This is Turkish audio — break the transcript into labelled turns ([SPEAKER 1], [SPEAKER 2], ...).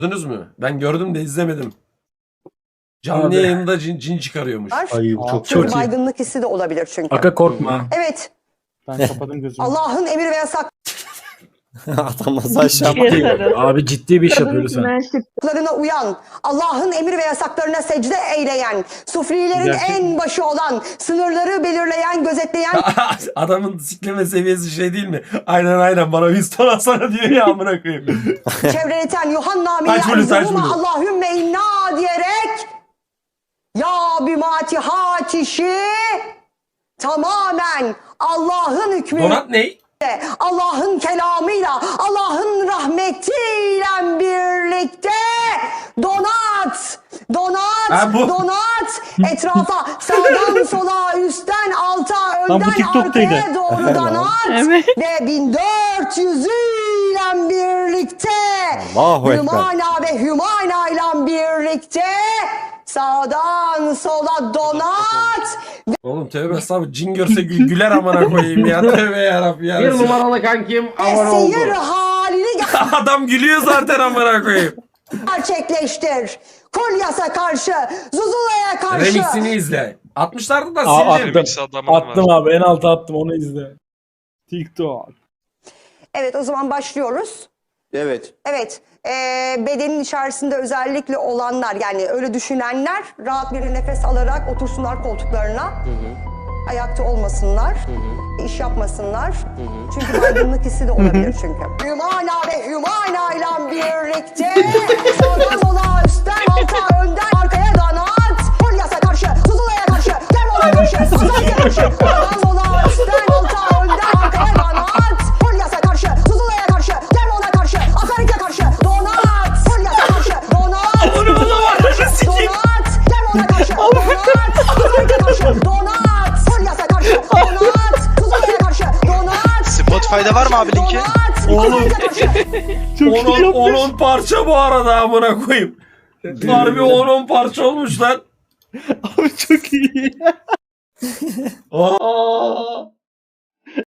[SPEAKER 1] Gördünüz mü? Ben gördüm de izlemedim. Canlı yayında cin çıkarıyormuş.
[SPEAKER 2] Ay bu çok
[SPEAKER 3] Çünkü
[SPEAKER 2] iyi.
[SPEAKER 3] baygınlık hissi de olabilir çünkü.
[SPEAKER 4] Aga korkma.
[SPEAKER 3] Evet.
[SPEAKER 5] Ben kapadım gözümü.
[SPEAKER 3] Allah'ın emir ve
[SPEAKER 2] Adam nasıl aşağı
[SPEAKER 4] Ciddi. Abi ciddi bir iş yapıyor lütfen.
[SPEAKER 3] yasaklarına uyan, Allah'ın emir ve yasaklarına secde eyleyen, sufrilerin
[SPEAKER 5] Gerçek
[SPEAKER 3] en başı olan, sınırları belirleyen, gözetleyen,
[SPEAKER 1] Adamın sikleme seviyesi şey değil mi? Aynen bana Winston alsana diyor ya amına koyayım.
[SPEAKER 3] çevreleten Yuhanna
[SPEAKER 1] Taç bulu, taç
[SPEAKER 3] milyar
[SPEAKER 1] bulu.
[SPEAKER 3] Allahümme inna diyerek ya bimatiha kişi tamamen Allah'ın hükmüyle,
[SPEAKER 1] Donat ne?
[SPEAKER 3] Allah'ın kelamıyla, Allah'ın rahmetiyle birlikte donat,
[SPEAKER 1] Ha, bu.
[SPEAKER 3] donat, etrafa, sağdan sola, üstten alta,
[SPEAKER 5] Lan bu
[SPEAKER 3] önden
[SPEAKER 5] TikTok'taydı.
[SPEAKER 3] arkaya doğru donat ve 1400 ile birlikte
[SPEAKER 2] Allahu Ekber.
[SPEAKER 3] Hümana ve Hümana ile birlikte sağdan sola donat
[SPEAKER 1] Oğlum tövbe estağfurullah. Cin görse güler amına koyayım ya. Tövbe yarabbim ya.
[SPEAKER 6] Bir numaralı kankim
[SPEAKER 3] ve
[SPEAKER 6] abone oldu.
[SPEAKER 3] seyir halini
[SPEAKER 1] Adam gülüyor zaten amına koyayım.
[SPEAKER 3] gerçekleştir. Kolyas'a karşı, Zuzula'ya karşı.
[SPEAKER 1] Remix'ini izle. 60'larda da
[SPEAKER 4] Aa,
[SPEAKER 1] sildim.
[SPEAKER 4] attım.
[SPEAKER 7] Remix adamın
[SPEAKER 4] Attım
[SPEAKER 7] var.
[SPEAKER 4] abi en alta attım onu izle.
[SPEAKER 5] TikTok.
[SPEAKER 3] Evet, o zaman başlıyoruz.
[SPEAKER 2] Evet.
[SPEAKER 3] Evet, bedenin içerisinde özellikle olanlar, yani öyle düşünenler rahat bir nefes alarak otursunlar koltuklarına. Ayakta olmasınlar, iş yapmasınlar. Çünkü baygınlık hissi de olabilir çünkü. Hümana ve Hümana ile birlikte sağdan sola, üstten alta, önden arkaya donat. Polyas'a karşı, Zuzula'ya karşı, Germon'a karşı, Asarya'ya karşı. Sağdan sola, üstten alta, önden arkaya donat. Polyas'a karşı, Zuzula'ya karşı, Germon'a karşı, Asarya'ya karşı. Donat. Polyas'a karşı, donat.
[SPEAKER 1] Bunu bulamadım.
[SPEAKER 3] Donat. Germon'a karşı, donat. Asarya'ya karşı, donat. Polyas'a karşı, donat. Zuzula'ya karşı, donat.
[SPEAKER 7] Spotify'da var mı abi linki?
[SPEAKER 1] Oğlum.
[SPEAKER 5] Çok iyi yapmış.
[SPEAKER 1] 10 parça bu arada amına koyayım. Harbi 10 parça olmuş lan.
[SPEAKER 5] Abi çok iyi.
[SPEAKER 1] Aa.